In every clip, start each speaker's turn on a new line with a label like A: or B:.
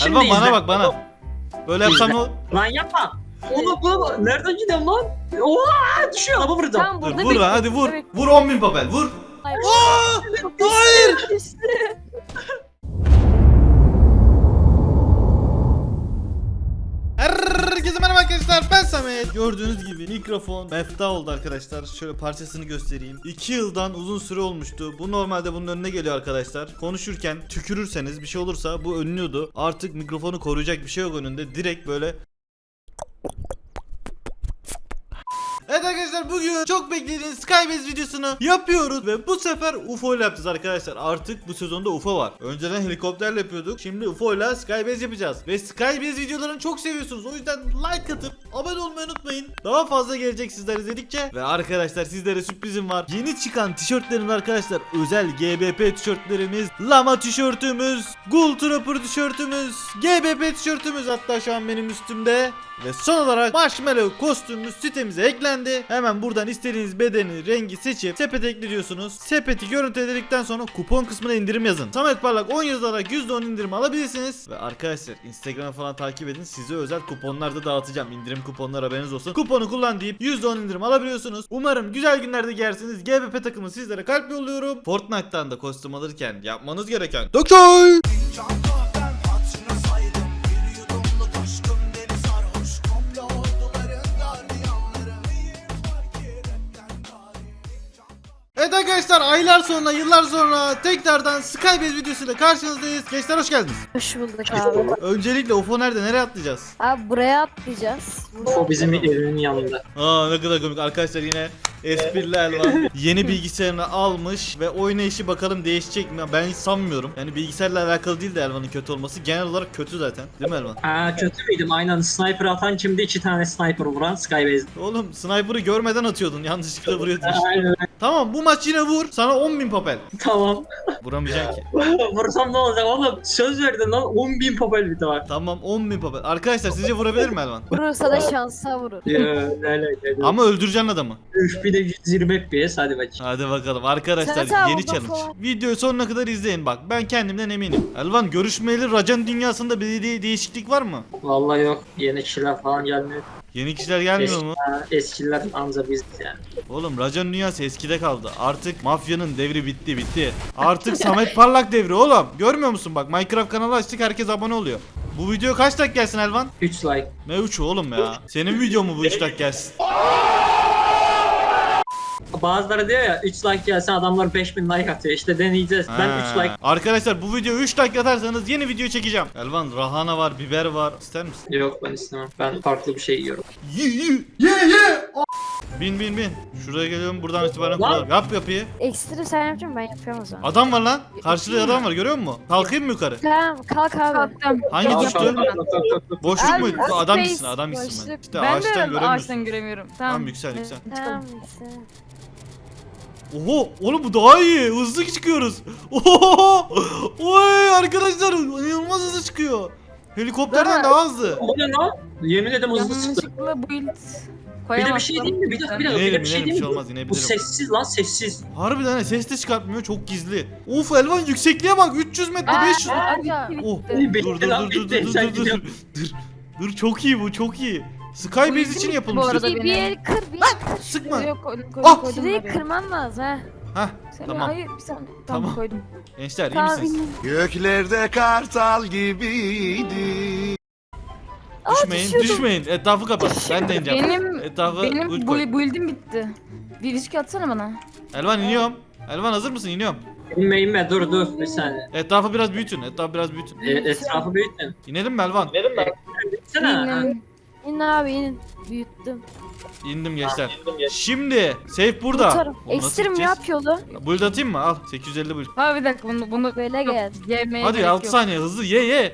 A: Şimdi
B: Elvan bana
A: izle.
B: bak bana. Böyle yapsam o.
A: Lan yapma. Oğlum bu nereden gidiyorum lan? Oha düşüyor araba vuracağım.
C: Tamam
B: Dur
C: burada
B: vur lan hadi vur.
C: Evet.
B: Vur 10.000 papel vur.
C: Hayır.
B: Aa! Hayır. Herkese merhaba arkadaşlar, ben Samet. Gördüğünüz gibi mikrofon mefta oldu arkadaşlar. Şöyle parçasını göstereyim. 2 yıldan uzun süre olmuştu. Bu normalde bunun önüne geliyor arkadaşlar. Konuşurken tükürürseniz bir şey olursa bu önlüyordu. Artık mikrofonu koruyacak bir şey yok önünde. Direkt böyle. Evet arkadaşlar, bugün çok beklediğiniz Skybase videosunu yapıyoruz ve bu sefer UFO ile yapacağız arkadaşlar. Artık bu sezonda UFO var. Önceden helikopterle yapıyorduk. Şimdi UFO ile Skybase yapacağız. Ve Skybase videolarını çok seviyorsunuz. O yüzden like atıp abone olmayı unutmayın. Daha fazla gelecek sizler izledikçe. Ve arkadaşlar sizlere sürprizim var. Yeni çıkan tişörtlerimiz arkadaşlar. Özel GBP tişörtlerimiz, Lama tişörtümüz, Ghoul Trooper tişörtümüz, GBP tişörtümüz hatta şu an benim üstümde. Ve son olarak Marshmallow kostümümüz sitemize eklendi. Hemen buradan istediğiniz bedeni, rengi seçip sepete ekliyorsunuz. Sepeti görüntüledikten sonra kupon kısmına indirim yazın. Samet Parlak 10 yazarak %10 indirim alabilirsiniz. Ve arkadaşlar Instagram'a falan takip edin. Size özel kuponlar da dağıtacağım. İndirim kuponları haberiniz olsun. Kuponu kullan deyip %10 indirim alabiliyorsunuz. Umarım güzel günlerde giyersiniz. GBP takımı sizlere kalp yolluyorum. Fortnite'tan da kostüm alırken yapmanız gereken Dokçay! Evet arkadaşlar, aylar sonra, yıllar sonra tekrardan Skybase videosuyla karşınızdayız. Gençler hoş geldiniz.
C: Hoş bulduk abi.
B: Öncelikle UFO nerede? Nereye atlayacağız?
C: Abi buraya atlayacağız.
A: O bizim evimin yanında.
B: Aa ne kadar komik arkadaşlar, yine espriler var. Yeni bilgisayarını almış ve oynayışı bakalım değişecek mi? Ben hiç sanmıyorum. Yani bilgisayarla alakalı değil de Elvan'ın kötü olması. Genel olarak kötü zaten. Değil mi Elvan?
A: Aa kötü müydüm? Aynen sniper atan kimdi? 2 tane sniper vuran Skybase'de.
B: Oğlum sniper'ı görmeden atıyordun. Yanlışlıkla vuruyordun işte.
A: Aynen.
B: Tamam, bu maç yine vur. Sana 10.000 papel.
A: Tamam.
B: Vuramayacaksın ki.
A: Vursam ne olacak oğlum? Söz verdin lan 10.000 papel bir de var.
B: Tamam, 10.000 papel. Arkadaşlar sizce vurabilir mi Elvan?
C: Vurursa da şansa vurur.
A: Ne.
B: Ama öldüreceksin adamı.
A: Üf bir de 120 FPS hadi bakayım.
B: Hadi bakalım arkadaşlar,
C: Sen sağ ol,
B: yeni challenge.
C: bakalım.
B: Videoyu sonuna kadar izleyin bak. Ben kendimden eminim. Elvan, görüşmeyeli Racan dünyasında bir değişiklik var mı?
A: Vallahi yok. Yeni kişiler falan gelmiyor.
B: Yeni kişiler gelmiyor mu?
A: Eskiler anca biz yani.
B: Oğlum Racan dünyası eskide kaldı. Artık mafyanın devri bitti. Artık Samet Parlak devri oğlum. Görmüyor musun bak, Minecraft kanalı açtık, herkes abone oluyor. Bu video kaç dakika gelsin Elvan?
A: 3 like.
B: Ne 3'ü oğlum ya? Senin video mu bu 3 dakika gelsin?
A: Bazıları diyor ya 3 like gelse adamlar 5000 like atıyor. İşte deneyeceğiz. Ben 3 like.
B: Arkadaşlar bu video 3 dakika atarsanız yeni video çekeceğim. Elvan, rahana var, biber var. İster misin?
A: Yok ben istemem. Ben farklı bir şey yiyorum.
B: Ye. Bin. Şuraya geliyorum, buradan itibaren
A: Lan.
B: kuralım. Yap yapıyı.
C: Ekstra sen yapacaksın, ben yapıyorum o zaman.
B: Adam var lan. Karşıda adam var, görüyor musun? Kalkayım mı yukarı?
C: Tamam kalk abi.
D: Kalktım.
B: Hangi
A: Tamam,
B: düştü?
A: tamam.
B: Boşluk
C: Abi,
B: mu?
C: space,
B: Adam gitsin, adam gitsin ben.
C: boşluk.
B: İşte
D: Ben
B: ağaçtan
D: de
B: göremiyorsun.
D: ağaçtan göremiyorum. Tamam.
B: Tamam, yüksel.
C: Tamam sen.
B: Oho, oğlum bu daha iyi. Hızlı çıkıyoruz. Oho! Oy arkadaşlar, inanılmaz hızlı çıkıyor. Helikopterden daha hızlı.
A: O ne lan? Yemin ederim hızlı çıktı.
D: Yanlışlıkla build
A: Bir de bir şey değil mi? Bir dakika bir de
B: İnelim,
A: bir şey
B: inelim, bir
A: değil
B: şey
A: mi?
B: olmaz,
A: Bu
B: inebilirim.
A: sessiz lan sessiz.
B: Harbiden he, ses de çıkartmıyor, çok gizli. Of Elvan, yüksekliğe bak, 300 metre, 500 metre.
C: Aga.
B: Oh,
A: Bitti
B: dur
A: lan, bitti. Sen gidiyorsun.
B: dur, çok iyi bu, çok iyi. Skybase için
D: Bu
B: yapılmış.
D: arada
C: Bir yeri kır, bir yeri kır.
B: Sıkma.
D: Yok koydum
B: Ah!
D: koydum.
C: Şurayı
D: oraya.
C: kırman lazım ha.
B: Hah,
D: Sen-
B: tamam.
D: Hayır bir saniye.
B: Tamam.
D: Tamam koydum.
B: Gençler iyi
C: Tamam.
B: misiniz?
E: Göklerde kartal gibiydi.
B: Düşmeyin. Etrafı kapat. Ben de ineceğim.
D: Benim
B: Etrafı
D: benim
B: uç koy.
D: build'im bitti. Bir risk atsana bana.
B: Elvan iniyorum. Elvan hazır mısın? İniyorum.
A: İnme dur bir saniye.
B: Etrafı biraz büyütün.
A: Etrafı büyütün.
B: İnelim mi Elvan?
A: Gitsene.
C: İn abi inin. Büyüttüm.
B: İndim gençler. Şimdi safe burada.
C: Tutarım.
B: Oğlum, nasıl
C: Ekstrem
B: gideceğiz?
C: yap yolu.
B: Build atayım mı? Al 850 build.
D: Ha bir dakika bunu
C: Böyle
D: yok,
C: gel.
D: Yemeye
B: Hadi
D: gerek
B: 6
D: yok.
B: saniye hızlı ye.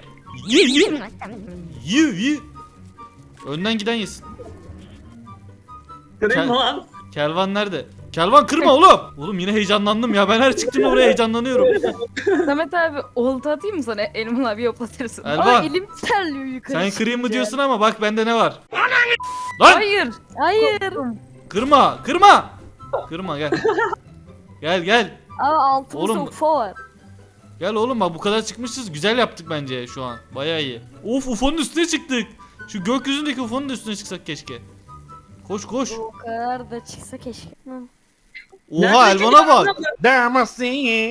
B: Ye. Önden giden yesin.
A: Kırayım mı lan?
B: Kelvan nerede? Kelvan kırma oğlum. Oğlum yine heyecanlandım ya. Ben her çıktığımda buraya heyecanlanıyorum.
D: Samet abi olta atayım mı sana? Elmanı abi yoklatırsın.
C: Aa
B: Elvan
C: elim terliyor yukarı.
B: sen kırayım mı
C: çıkınca.
B: diyorsun ama bak bende ne var. Lan
D: Hayır.
C: Hayır.
B: kırma. Kırma gel. Gel.
C: Abi altımızda
B: Oğlum.
C: UFO var.
B: Gel oğlum bak bu kadar çıkmışız. Güzel yaptık bence şu an. Bayağı iyi. Of UFO'nun üstüne çıktık. Şu gökyüzündeki UFO'nun da üstüne çıksak keşke. Koş koş.
C: O kadar da çıksa keşke. Hı.
B: Oha
A: Nerede
B: Elvan'a bak.
E: Damascene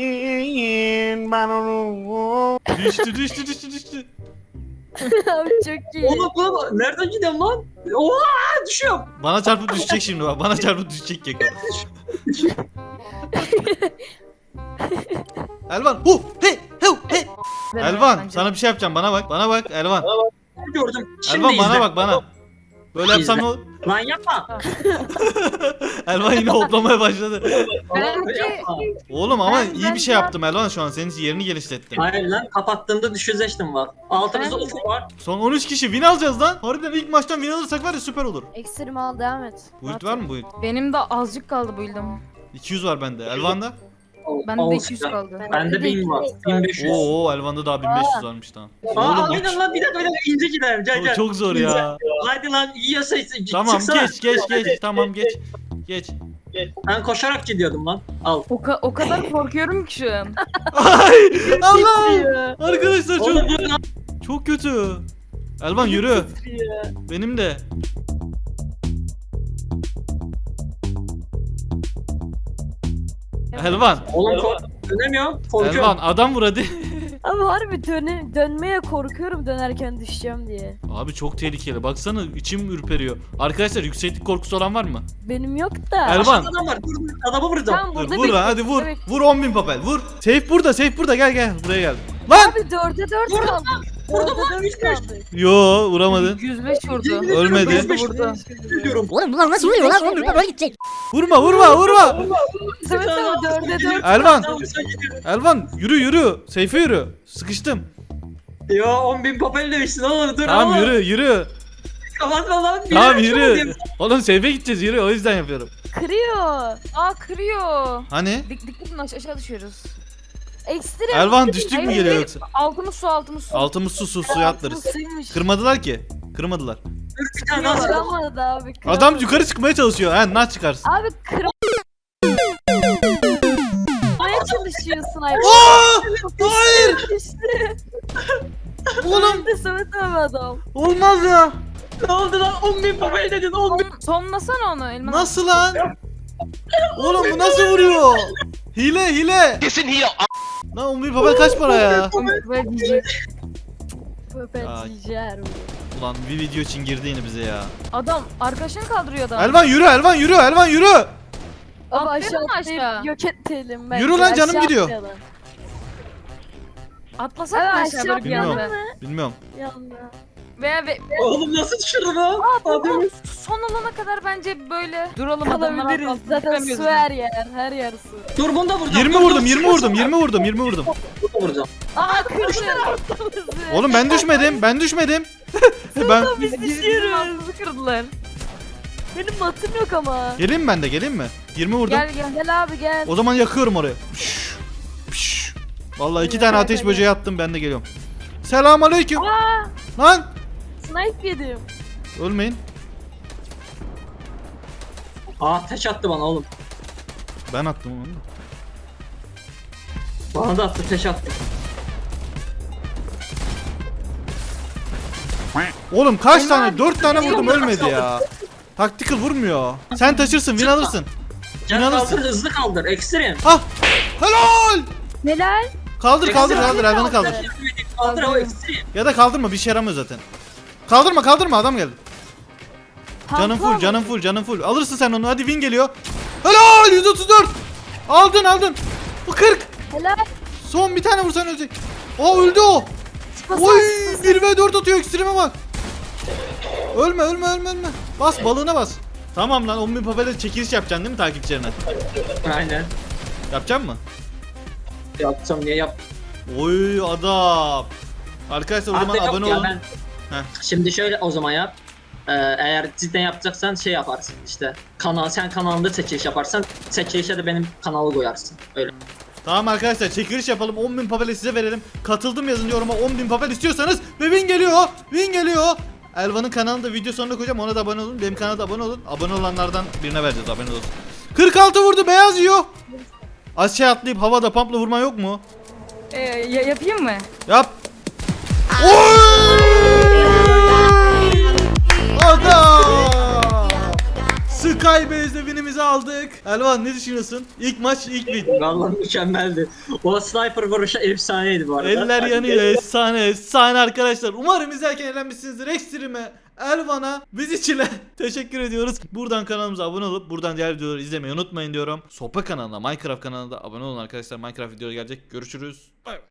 B: Düştü.
C: Abi çok iyi.
A: Oğlum nereden gidiyorum lan? Oha düşüyorum.
B: Bana çarpıp düşecek şimdi bak. Bana çarpıp düşecek keko. Elvan. Hey. Elvan
D: Bence.
B: sana bir şey yapacağım. Bana bak. Bana bak Elvan.
A: Gördüm. Şimdi
B: Elvan bana
A: izle.
B: bak bana. Böyle yapsam ne olur?
A: Lan yapma.
B: Elvan yine hoplamaya başladı.
D: Bence-
A: Yapma.
B: Oğlum ama
D: Ben-
B: iyi
D: ben
B: bir şey
D: daha-
B: yaptım Elvan şu an. Senin yerini geliştirdim.
A: Hayır lan kapattığımda düşüzeştim var. Altımızda
D: Ben-
A: ufuk var.
B: Son 13 kişi win alacağız lan. Harbiden ilk maçtan win alırsak var ya süper olur.
C: Ekstrem al devam et.
B: Build var mı build?
D: Benim de azıcık kaldı build'im.
B: 200 var bende. Elvan'da?
D: Bende de
A: Olsun
D: 200
A: ya.
D: kaldı.
A: Bende 1000 var. 1500.
B: Oo Elvan'da daha 1500 varmış tamam.
A: Aa
B: Oğlum
A: aynen lan bir dakika ince gidelim gel gel.
B: çok zor ya.
A: Hadi lan yiyorsa
B: Tamam
A: çıksana.
B: geç tamam geç.
A: Ben koşarak gidiyordum lan. Al.
D: O kadar korkuyorum ki şu an.
B: Ay Allah. Arkadaşlar
A: Oğlum dur lan.
B: çok kötü. Elvan yürü. Benim de. Elvan.
A: Oğlum dönemiyorum. Korkuyorum.
B: Elvan adam vur hadi.
C: Ama harbi dönmeye korkuyorum dönerken düşeceğim diye.
B: Abi çok tehlikeli. Baksana içim ürperiyor. Arkadaşlar yükseklik korkusu olan var mı?
C: Benim yok da.
B: Elvan.
A: Aşağıda adam var. Dur adamı vuracağım.
C: Tamam
B: Dur,
C: burada
B: vur lan hadi vur.
C: Evet.
B: Vur 10.000 papel vur. Safe burada gel buraya gel. Lan!
C: Abi 4'e 4
A: Vurdum
C: kaldı.
A: Vurdum
C: 4'e
A: lan
C: 4
A: 3-5.
C: kaldı.
B: Yo vuramadın.
D: 105 vurdu.
B: Ölmedi.
A: 105
D: Vurdu.
A: diyorum.
F: Oğlum bunlar nasıl vuruyor lan? Oğlum böyle gidecek.
B: Vurma.
C: Samet abi 4'e 4.
B: Elvan. Elvan yürü. Safe'e yürü. Sıkıştım.
A: Yo 10.000 papel demişsin oğlum dur
B: Tamam
A: oğlum.
B: yürü.
A: Kapatma lan. bir
B: Tamam
A: dakika
B: yürü.
A: olayım.
B: Oğlum safe'e gideceğiz yürü o yüzden yapıyorum.
C: Kırıyor.
D: Aa kırıyor.
B: Hani?
D: Dikkatin aşağı düşüyoruz.
C: Ekstrem.
B: Elvan düştük mü
D: Hayır,
B: geliyor
D: hayır.
B: yoksa?
D: Altımız su.
B: Altımız suya atlarız.
C: Suymuş.
B: Kırmadılar ki. Kırmadılar.
A: Dur bir tane daha.
C: Kıramadı abi. Kıramadı.
B: Adam yukarı çıkmaya çalışıyor. Ha nasıl çıkarsın?
C: Abi kırmaya çalışıyor sniper.
B: Aa! Hayır!
C: İşte.
B: Oğlum
C: De Samet abi adam.
B: olmaz ya.
A: Ne oldu lan 10.000 papel dedin 10.000.
D: Sonlasana onu Elman.
B: Nasıl lan? Oğlum bu nasıl vuruyor? Hile.
E: Kesin hile.
B: Lan 11 papel kaç para ya?
D: Böyle diyecek.
C: Pöpetciler.
B: Ulan bir video için girdi yine bize ya.
D: Adam arkadaşını kaldırıyor adam.
B: Elvan yürü.
C: Ama
D: Atlayalım
C: aşağı
D: mı aşağı?
C: atlayıp yok edelim bence.
B: Yürü lan, canım
C: Aşağı
B: gidiyor.
C: atlayalım.
D: Atlasak
C: Evet,
D: mı aşağı
C: aşağı
D: böyle bir
B: Bilmiyorum.
D: anda?
B: Bilmiyorum.
C: Yanına.
D: Veya
A: Oğlum nasıl düşürdün ha? Hadi.
D: son olana kadar bence böyle duralım adamlar
C: Kalabiliriz.
D: altına
C: Zaten
D: çıkamıyoruz.
C: su her yer su.
A: Dur bunu da vuracağım.
B: 20
A: Dur,
B: vurdum.
A: dur,
B: 20 vurdum.
A: Bunu da vuracağım.
C: Aa kırdı.
B: Oğlum ben düşmedim. Ben
C: Biz
D: Bizim
C: düşüyoruz.
D: altımızı kırdılar.
C: Benim matım yok ama.
B: geleyim mi ben de? Geleyim mi? 20 vurdum.
D: Gel.
C: Gel abi gel.
B: O zaman yakıyorum orayı. Püş. Vallahi 2 tane ateş böceği attım ben de geliyorum. Selamünaleyküm.
C: Aa
B: Lan
C: snipe yedim.
B: ölmeyin.
A: Aa teç attı bana oğlum.
B: Ben attım onu.
A: Bana da attı teç attı.
B: Oğlum kaç tane? 4 tane vurdum ölmedi ya. Tactical vurmuyor. Sen taşırsın, win alırsın.
A: Gel
B: İnanırsın.
A: kaldır hızlı kaldır. Ekstrem.
B: Hah! Helal!
C: Helal.
B: Kaldır
A: Ekstrem.
B: Elvan'ı kaldır.
A: Kaldır o ekstrem.
B: Ya da kaldırma bir şey yaramıyor zaten. Kaldırma adam geldi. Canın full. Alırsın sen onu hadi win geliyor. Helal 134. Aldın. Bu 40.
C: Helal.
B: Son bir tane vursan ölecek. Aa öldü o. Oy 1v4 atıyor ekstreme bak. Ölme. Bas balığına bas. Tamam lan 10.000 papelde çekiliş yapacaksın değil mi takipçilerine?
A: Aynen.
B: Yapacaksın mı?
A: Yapacağım niye yap?
B: Oy adam. Arkadaşlar o zaman
A: Artık yok
B: abone
A: ya,
B: olun.
A: ben-
B: Heh.
A: Şimdi şöyle o zaman yap. Eğer cidden yapacaksan şey yaparsın işte. Sen kanalında çekiliş yaparsan çekilişe de benim kanalı koyarsın. Öyle.
B: Tamam arkadaşlar çekiliş yapalım 10.000 papel size verelim. Katıldım yazın yoruma 10.000 papel istiyorsanız ve win geliyor. Elvan'ın kanalında video sonuna koyacağım ona da abone olun. Benim kanala da abone olun. Abone olanlardan birine vereceğiz haberiniz olsun. 46 vurdu beyaz yiyor. Aşağı atlayıp havada pumpla vurma yok mu?
D: Yapayım mı?
B: Yap. Adam! Skybase'de winimizi aldık. Elvan ne düşünüyorsun? İlk maç ilk win.
A: Vallahi mükemmeldi. O sniper vuruşu efsaneydi bu arada.
B: Eller yanıyor, efsane arkadaşlar. Umarım izlerken eğlenmişsinizdir. Ekstreme, Elvan'a, Vizicil'e teşekkür ediyoruz. Buradan kanalımıza abone olup buradan diğer videoları izlemeyi unutmayın diyorum. Sopa kanalına, Minecraft kanalına da abone olun arkadaşlar. Minecraft videoları gelecek. Görüşürüz. Bay bay.